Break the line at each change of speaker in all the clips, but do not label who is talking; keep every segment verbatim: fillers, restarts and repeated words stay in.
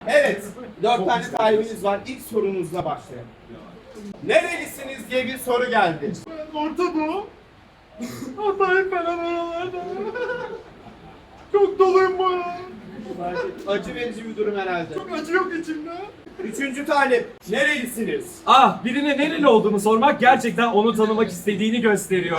Evet, dört tane talibiniz var. İlk sorunuzla başlayalım. Nerelisiniz diye bir soru geldi.
Orta Doğu. Hatay falan oralarda. Çok doluyum bu ya.
Acı verici bir durum herhalde.
Çok acı yok içimde.
Üçüncü talip, nerelisiniz?
Ah, birine nereli olduğunu sormak gerçekten onu tanımak istediğini gösteriyor.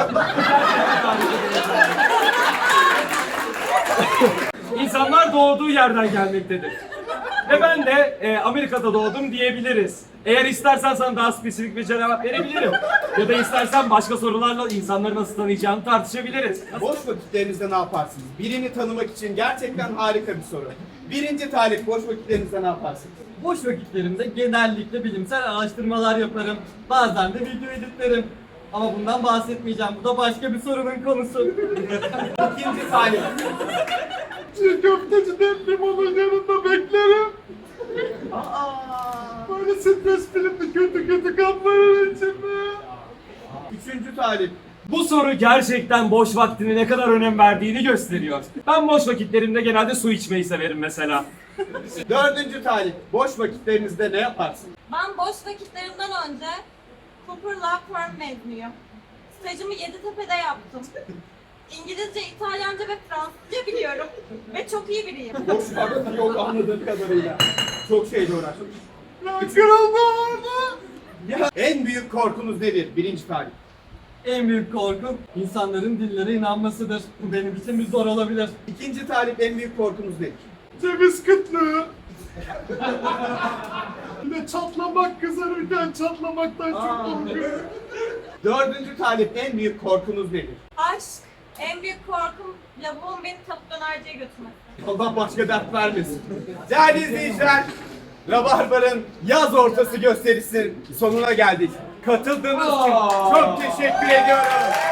İnsanlar doğduğu yerden gelmektedir. Ve ben de e, Amerika'da doğdum diyebiliriz. Eğer istersen sana daha spesifik bir cevap verebilirim. Ya da istersen başka sorularla insanları nasıl tanıyacağını tartışabiliriz.
Boş vakitlerinizde ne yaparsınız? Birini tanımak için gerçekten harika bir soru. Birinci talip, boş vakitlerinizde ne yaparsınız?
Boş vakitlerimde genellikle bilimsel araştırmalar yaparım. Bazen de video editlerim. Ama bundan bahsetmeyeceğim. Bu da başka bir sorunun konusu.
İkinci talip,
Çiğ köfteciden limonun yanında beklerim. Böyle stres filmde kötü kötü kanların içinde.
üçüncü talip,
Bu soru gerçekten boş vaktine ne kadar önem verdiğini gösteriyor. Ben boş vakitlerimde genelde su içmeyi severim mesela.
dördüncü talip, boş vakitlerinizde ne yaparsınız?
Ben boş vakitlerimden önce Cooper Law Firm mezunuyum. Stajımı Yeditepe'de yaptım. İngilizce, İtalyanca ve Fransızca biliyorum. Ve çok iyi biriyim.
Boş vakti yok anladığım kadarıyla. Çok şeyle uğraştım.
Ya kırıldı orada.
Ya, en büyük korkunuz nedir? Birinci talip.
En büyük korkum insanların dillere inanmasıdır. Bu benim için bir zor olabilir.
İkinci talip, en büyük korkunuz nedir?
Ceviz kıtlığı. Bir de çatlamak, kızarırken çatlamaktan çok
Aa.
korkuyorum.
Dördüncü talip, en büyük korkunuz nedir?
Aşk. En büyük korkum lavuğun beni tavuk dönerciye götürmesi.
Allah başka dert vermesin. Değerli izleyiciler, Rabarbar'ın yaz ortası gösterisinin sonuna geldik. Katıldığınız için çok teşekkür ediyorum.